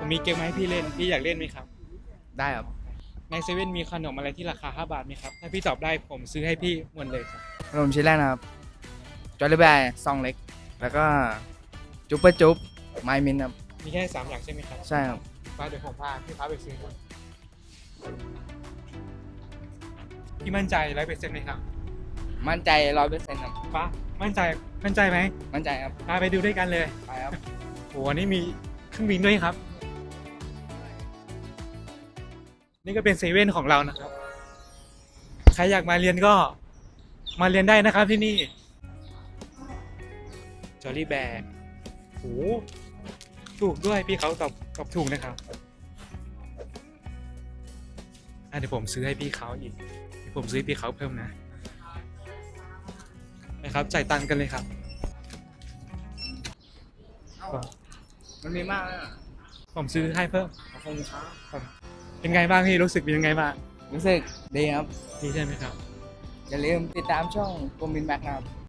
ผมมีเกมมาให้พี่เล่นพี่อยากเล่นไหมครับได้ครับในเซเว่นมีขนมอะไรที่ราคา5 บาทไหมครับถ้าพี่ตอบได้ผมซื้อให้พี่หมดเลยครับขนมชิ้นแรกนะครับจอร์ลี่แบร์ซองเล็ก แล้วก็จุ๊บปะจุ๊บไมมินครับมีแค่3 อย่างใช่ไหมครับใช่ครับมาเดี๋ยวผมพาพี่พาไปซื้อพี่มั่นใจ100%ไหมครับมั่นใจ100%ครับฟ้ามั่นใจไหมมั่นใจครับพาไปดูด้วยกันเลยไปครับโหอันนี้มีเครื่องบินด้วยครับ นี่ก็เป็นเซเว่นของเรานะครับ ใครอยากมาเรียนก็มาเรียนได้นะครับที่นี่จอรี่แบร์โหถูกด้วยพี่เขาตอบถูกนะครับเดี๋ยวผมซื้อให้พี่เขาอีกเดี๋ยวผมซื้อให้พี่เขาเพิ่มนะครับจ่ายตังค์กันเลยครับมันมีมากนะผมซื้อให้เพิ่มขอบคุณครับเป็นไงบ้างพี่รู้สึกเป็นยังไงบ้างรู้สึกดีครับดีใช่ไหมครับอย่าลืมติดตามช่องกรมบินแบ็กนะครับ